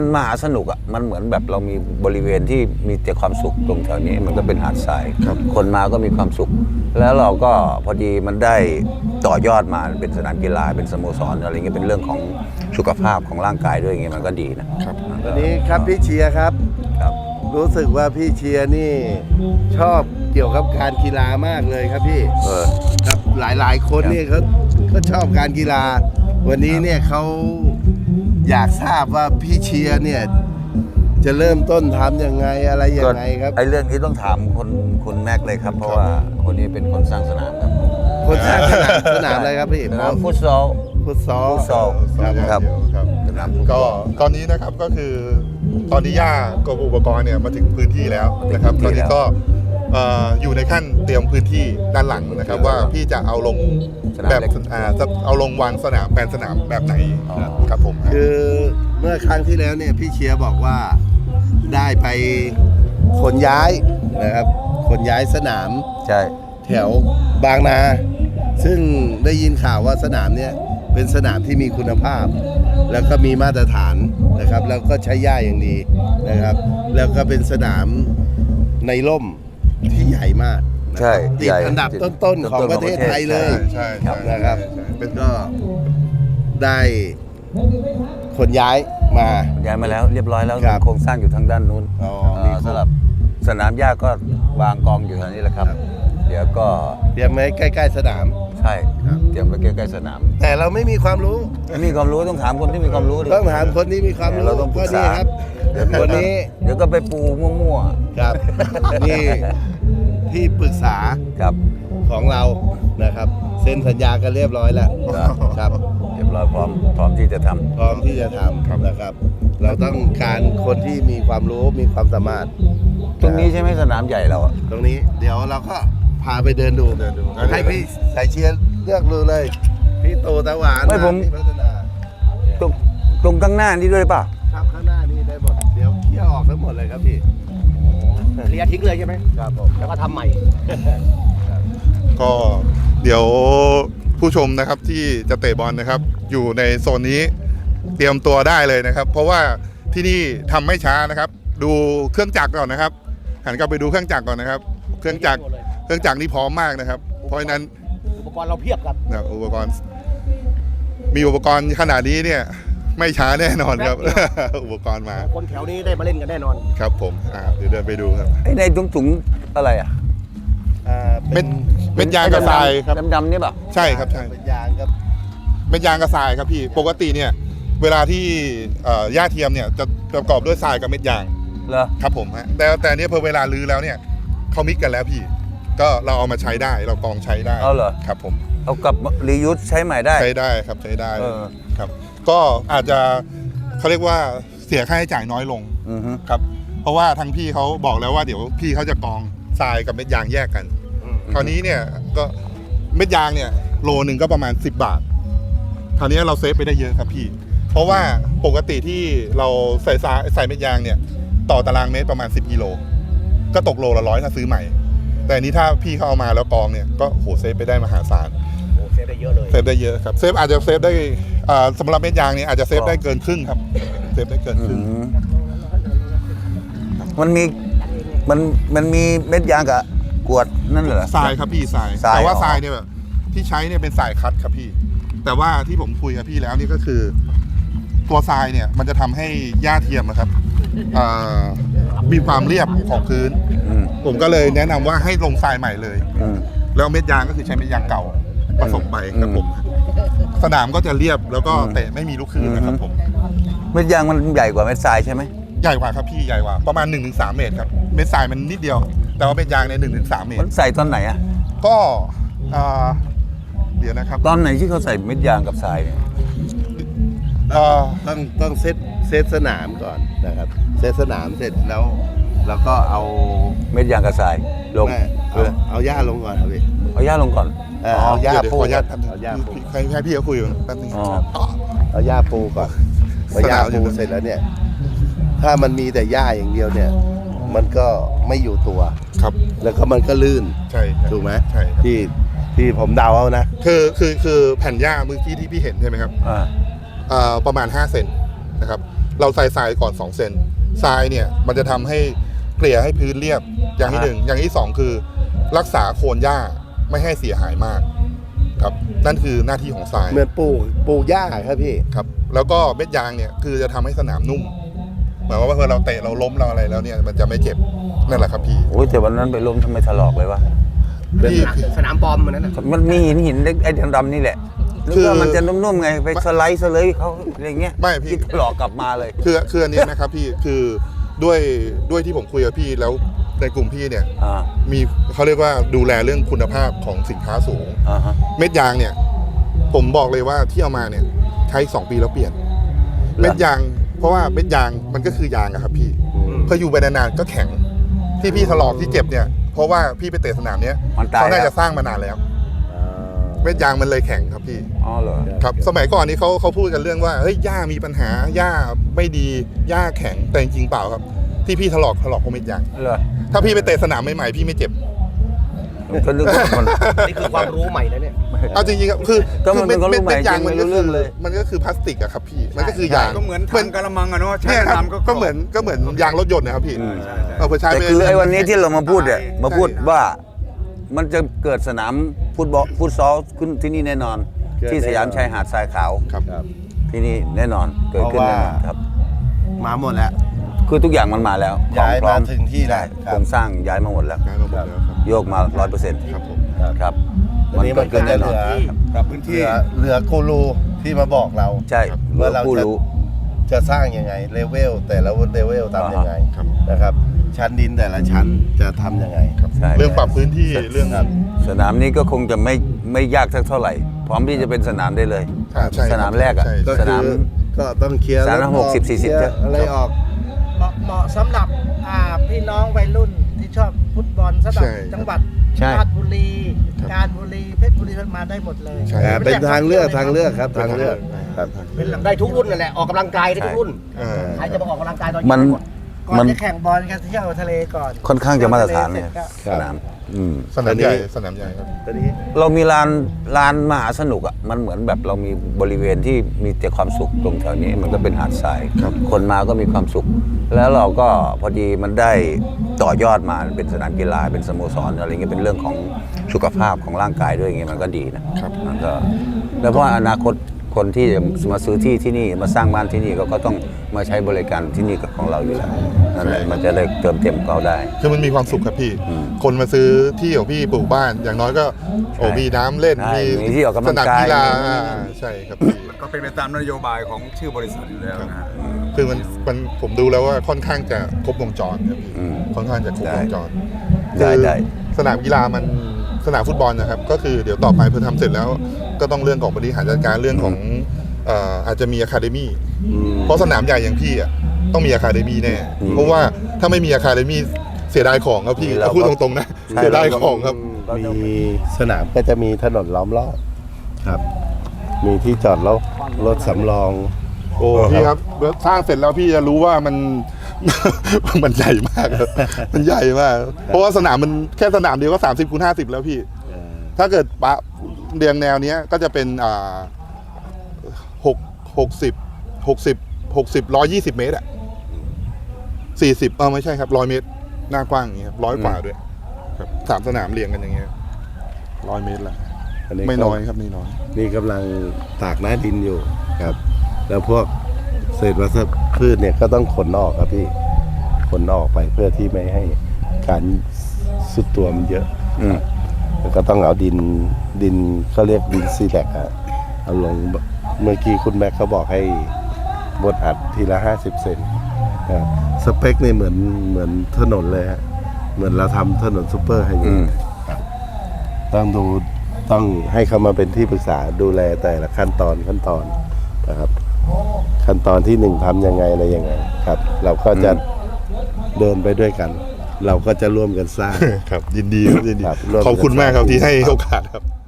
มหาสนุกอ่ะมันเหมือนแบบเรามีบริเวณที่มีแต่ความสุขตรงแถวนี้มันก็เป็นหาดทรายคนมาก็มีความสุขแล้วเราก็พอดีมันได้ต่อยอดมาเป็นสนามกีฬาเป็นสโมสรอะไรเงี้ยเป็นเรื่องของสุขภาพของร่างกายด้วยอย่างเงี้ยมันก็ดีนะครับวันนี้ครับพี่เชียร์ครับรู้สึกว่าพี่เชียร์นี่ชอบเกี่ยวกับการกีฬามากเลยครับพี่ครับหลายคนนี่เขาก็ชอบการกีฬาวันนี้เนี่ยเขาอยากทราบว่าพี่เชียร์เนี่ยจะเริ่มต้นทำยังไงอะไรยังไงครับไอ้เรื่องนี้ต้องถามคุณแม็กเลยครับเพราะว่าคนนี้เป็นคนสร้างสนามครับคนสร้างสนามอะไรครับพี่ฟุตซอลครับก็ตอนนี้นะครับก็คือตอนนี้ย่ากับอุปกรณ์เนี่ยมาถึงพื้นที่แล้วนะครับตอนนี้ก็อยู่ในขั้นเตรียมพื้นที่ด้านหลังนะครับว่าพี่จะเอาลงแบบเอาลงวางสนามแปลนสนามแบบไหนครับผมคือเมื่อครั้งที่แล้วเนี่ยพี่เชียร์บอกว่าได้ไปขนย้ายนะครับขนย้ายสนามใช่แถวบางนาซึ่งได้ยินข่าวว่าสนามเนี่ยเป็นสนามที่มีคุณภาพแล้วก็มีมาตรฐานนะครับแล้วก็ใช้หญ้าอย่างดีนะครับแล้วก็เป็นสนามในร่มที่ใหญ่มากใช่ติดอันดับต้นๆของประเทศไทยเลยใช่นะครับก็ได้ขนย้ายมาแล้วเรียบร้อยแล้วโครงสร้างอยู่ทางด้านนู้นสำหรับสนามหญ้าก็วางกองอยู่แถวนี้แหละครับเดี๋ยวก็เตรียมไว้ใกล้ๆสนามใช่เตรียมไว้ใกล้ๆสนามแต่เราไม่มีความรู้ต้องถามคนที่มีความรู้ต้องถามคนที่มีความรู้เราต้องปรึกษาครับวันนี้เดี๋ยวก็ไปปูมั่วๆครับนี่ที่ปรึกษาครับของเรานะครับเซ็นสัญญากันเรียบร้อยแล้วครับเรียบร้อยพร้อมที่จะทำนะครับเราต้องการคนที่มีความรู้มีความสามารถตรงนี้ใช่ไหมสนามใหญ่เราตรงนี้เดี๋ยวเราก็พาไปเดินดูให้พี่สายเชียร์เลือกดูเลยพี่โตตะหวานไม่ผมตรงข้างหน้านี่ด้วยป่ะครับข้างหน้านี่ได้หมดเดี๋ยวเที่ยวออกทั้งหมดเลยครับพี่เคลียร์ทิ้งเลยใช่ไหมครับผมแล้วก็ทำใหม่ก็เดี๋ยวผู้ชมนะครับที่จะเตะบอลนะครับอยู่ในโซนนี้เตรียมตัวได้เลยนะครับเพราะว่าที่นี่ทำไม่ช้านะครับดูเครื่องจักรก่อนนะครับหันกลับไปดูเครื่องจักรก่อนนะครับเครื่องจักรนี่พร้อมมากนะครับเพราะฉะนั้นอุปกรณ์เราเพียบครับอุปกรณ์มีอุปกรณ์ขนาดนี้เนี่ยไม่ช้าแน่นอนครับอุปกรณ์มาคนแถวนี้ได้มาเล่นกันแน่นอนครับผมเดี๋ยวเดินไปดูครับไอ้ในถุงอะไรเม็ดยางกระทรายครับดำๆนี่ป่ะใช่ครับใช่เม็ดยางครับเม็ดยางกระทรายครับพี่ปกติเนี่ยเวลาที่หญ้าเทียมเนี่ยจะประกอบด้วยทรายกับเม็ดยางเหรอครับผมแต่เนี้ยพอเวลาลื้อแล้วเนี่ยเขามิกกันแล้วพี่ก็เราเอามาใช้ได้เรากองใช้ได้เหรอครับผมเอากับรียูสใช้ใหม่ได้ใช้ได้ครับใช้ได้ครับก็อาจจะเขาเรียกว่าเสียค่าใช้จ่ายน้อยลงครับเพราะว่าทางพี่เขาบอกแล้วว่าเดี๋ยวพี่เขาจะกองทรายกับเม็ดยางแยกกันคราวนี้เนี่ยก็เม็ดยางเนี่ยโลนึงก็ประมาณ10 บาทคราวนี้เราเซฟไปได้เยอะครับพี่เพราะว่าปกติที่เราใส่เม็ดยางเนี่ยต่อตารางเมตรประมาณ10 กิโลก็ตกโลละ100ถ้าซื้อใหม่แต่นี้ถ้าพี่เขาเอามาแล้วกองเนี่ยก็โหเซฟไปได้มหาศาลเซฟได้เยอะเลยเซฟได้เยอะครับเซฟอาจจะเซฟได้สำหรับเม็ดยางเนี่ยอาจจะเซฟได้เกินครึ่งครับเซฟได้เกินครึ่งมันมีเม็ดยางกับกวดนั่นเหรอทรายครับพี่ทรายแต่ว่าทรายเนี่ยแบบที่ใช้เนี่ยเป็นทรายคัดครับพี่แต่ว่าที่ผมคุยกับพี่แล้วนี่ก็คือตัวทรายเนี่ยมันจะทำให้หญ้าเทียมนะครับมีความเรียบของพื้นผมก็เลยแนะนำว่าให้ลงทรายใหม่เลยแล้วเม็ดยางก็คือใช้เม็ดยางเก่าผสมไปครับผมสนามก็จะเรียบแล้วก็เตะไม่มีลูกคลื่นนะครับผมเม็ดยางมันใหญ่กว่าเม็ดทรายใช่ไหมใหญ่กว่าครับพี่ใหญ่กว่าประมาณ 1-3 เมตรครับเม็ดทรายมันนิดเดียวแต่ว่าเม็ดยางใน 1-3 เมตรใส่ตอนไหนอ่ะก็เดี๋ยวนะครับตอนไหนที่เขาใส่เม็ดยางกับทรายเนี่ยต้องเซตสนามก่อนนะครับเซตสนามเสร็จแล้วก็เอาเม็ดยางกับทรายลงเอาหญ้าลงก่อนครับพี่เอาหญ้าลงก่อนเอาหญ้าปูให้พี่เขาคุยกันแป๊บนึงเอาหญ้าปูก่อนพอหญ้าปูเสร็จแล้วเนี่ยถ้ามันมีแต่หญ้าอย่างเดียวเนี่ยมันก็ไม่อยู่ตัวครับแล้วก็มันก็ลื่นใช่ถูกไหมใช่ที่ผมเดาเอานะคือแผ่นหญ้าเมื่อกี้ที่พี่เห็นใช่ไหมครับประมาณ5 เซนนะครับเราใส่ทรายก่อน2 เซนทรายเนี่ยมันจะทำให้เกลี่ยให้พื้นเรียบอย่างที่หนึ่งอย่างที่สองคือรักษาโคนหญ้าไม่ให้เสียหายมากครับนั่นคือหน้าที่ของทรายเหมือนปลูกหญ้าครับพี่ครับแล้วก็เม็ดยางเนี่ยคือจะทำให้สนามนุ่มหมายความว่าเมื่อเราเตะเราล้มเราอะไรแล้วเนี่ยมันจะไม่เจ็บนั่นแหละครับพี่โอ้ยแต่วันนั้นไปล้มทำไมถลอกเลยวะพี่สนามบอมเหมือนนั้นนะมันมีหินไอ้ดำๆนี่แหละนึกคือว่ามันจะนุ่มๆไงไปสไลด์เลยเขาอะไรเงี้ยไม่พี่ที่ถลอกกลับมาเลยคืออันนี้นะครับพี่คือด้วยที่ผมคุยกับพี่แล้วในกลุ่มพี่เนี่ยอ่ามีเขาเรียกว่าดูแลเรื่องคุณภาพของสินค้าสูงอ่าฮะเม็ดยางเนี่ยผมบอกเลยว่าที่เอามาเนี่ยใช้2 ปีแล้วเปลี่ยน เม็ดยางเพราะว่าเม็ดยางมันก็คือยางอะครับพี่พออยู่ไปนานๆก็แข็งที่พี่ถลอกที่เจ็บเนี่ยเพราะว่าพี่ไปเตะสนามเนี้ยมันตายเขาน่าแล้จะวสร้างมานานแล้ว เม็ดยางมันเลยแข็งครับพี่อ๋อเหรอครับสมัยก่อนนี้เขาพูดกันเรื่องว่าเฮ้ยหญ้ามีปัญหาหญ้าไม่ดีหญ้าแข็งแต่จริงๆเปล่าครับที่พี่ถลอกเพราะเม็ดยางเหรอถ้าพี่ไปเตะสนามใหม่ๆพี่ไม่เจ็บก็นึกว่ามันนี่คือความรู้ใหม่นะเนี่ยเอาจริงๆครับคือก็มันเป็นความรู้ใหม่เม็ดยางจริงมันไม่รู้ก็เรื่คือองเลยมันก็คือพลาสติกอะครับพี่มันก็คือยางก็เหมือนถังกะละมังอะเนาะใช้เนี่ยครับน้ำก็เหมือนยางรถยนต์นะครับพี่อืมพอใช้แต่ไปคือไอ้วันนี้ที่เรามาพูดเนี่ยมาพูดว่ามันจะเกิดสนามฟุตซอลขึ้นที่นี่แน่นอนเกิดที่สยามชายหาดทรายขาวครับที่นี่แน่นอนเกิดขึ้นแน่นอนครับมาหมดแล้วคือทุกอย่างมันมาแล้วย้ายพร้อมาถึงที่แล้วใช่โครงสร้างย้ายมาหมดแล้วย้ายมาหมดแล้วครับโยกมา 100% ครับผมครับอันนี้มันก็จะเหลือกับพื้นที่เหลือกูรูที่มาบอกเราใช่เหลือว่าเราผู้จะรู้จะสร้างยังไงเลเวลแต่ละเลเวลทำยังไงครับนะครับ ชั้นดินแต่ละชั้นจะทำยังไงใช่เรื่องปรับพื้นที่เรื่องครับสนามนี้ก็คงจะไม่ยากสักเท่าไหร่ พร้อมที่จะเป็นสนามได้เลยใช่ครับสนามแรกอะใช่ก็สคืนามอก็ต้องเคลียร์สนามรถออก 60 40 เคลียร์อะไรออกเหมาะสำหรับพี่น้องวัยรุ่นที่ชอบฟุตบอลสำหรับใช่จังหวัดใช่ราชบุรีครับการบุรีเพชรบุรีมาได้หมดเลยใช่เป็นทางเลือกครับทางเลือกครับเป็นหลังได้ทุกรุ่นนั่นแหละออกกำลังกายได้ทุกรุ่นอ่าใครจะมาออกกำลังกายตอนมันเย็นหมดก่อนจะแข่งบอลกันเที่ยวทะเลก่อนค่อนข้างจะมาตรฐานเนี่ยที่วทะลสร็จก็สนามอืมสนามใหญ่สนามใหญ่ครับตอนนี้เรามีลานมหาสนุกอ่ะมันเหมือนแบบเรามีบริเวณที่มีแต่ความสุขตรงแถวนี้มันก็เป็นหาดทรายครับคนมาก็มีความสุข แล้วเราก็พอดีมันได้ต่อยอดมาเป็นสนามกีฬาเป็นสโมสรอะไรเงี้ยเป็นเรื่องของสุขภาพของร่างกายด้วยอย่างเงี้ยมันก็ดีนะครับ มันก็แล้วเพราะอนาคตคนที่จะมาซื้อที่นี่มาสร้างบ้านที่นี่ก็ต้องมาใช้บริการที่นี่กับของเราอยู่แล้วนั่นแหละมันจะได้เติมเต็มเขาได้คือมันมีความสุขครับพี่อืมคนมาซื้อที่ของพี่ปลูกบ้าน อย่างน้อยก็โอ้ใช่มีน้ำเล่นใช่มีที่ออกกำลัสงนามกายกีฬาใช่ครับพี่ก็เป็นไปตามนโยบายของชื่อบริษัทอยู่แล้วนะฮะคือมันผมดูแล้วว่าค่อนข้างจะครบวงจรครับพี่อืมค่อนข้างจะครบวงจรได้คือได้สนามกีฬามันสนามฟุตบอลนะครับ ก็คือเดี๋ยวต่อไปพอทำเสร็จแล้ว ก็ต้องเรื่องของบริหารจัดการเรื่องของอาจจะมีอะคาเดมี่เพราะสนามใหญ่อย่างพี่อ่ะต้องมีอะคาเดมี่แน่ เพราะว่าถ้าไม่มีอะคาเดมี่เสียดายของครับพี่เราก็พูดตรงๆนะใช่เสียดายของครับมีสนามก็จะมีถนนล้อมรอบครับ มีที่จอดรถสำรองโอ้พี่ครับสร้างเสร็จแล้วพี่จะรู้ว่ามัน มันใหญ่มากครับมันใหญ่มาก เพราะว่าสนามมันแค่สนามเดียวก็30x50แล้วพี่ ถ้าเกิดปะเรียงแนวเนี้ยก็จะเป็น120 เมตรอ่ะ40ไม่ใช่ครับ100 เมตร หน้ากว้างอย่างเงี้ยครับ100 กว่าด้วยครับ3 สนามเรียงกันอย่างเงี้ย100 เมตรละอันนี้ไม่น้อยครับไม่น้อยนี่กำลังตากหน้าดินอยู่ครับ แล้วพวกเศษวัชพืชเนี่ยก็ต้องขนออกครับพี่ขนออกไปเพื่อที่ไม่ให้การสุดตัวมันเยอะอืมแล้วก็ต้องเอาดินเขาเรียกดินซีแลกอะเอาลงเมื่อกี้คุณแม็กเขาบอกให้บดอัดทีละ50 เซนครับสเปคนี่เหมือนถนนเลยฮะเหมือนเราทำถนนซูเปอร์ไฮเวอืมย์ครับต้องให้เขามาเป็นที่ปรึกษาดูแลแต่ละขั้นตอนนะครับ ขั้นตอนที่ 1ทำยังไงอะไรยังไงครับ เราก็จะเดินไปด้วยกัน เราก็จะร่วมกันสร้างครับยินดีครับยินดีครับร่วมขอบคุณมากครับที่ให้ครับโอกาสครับ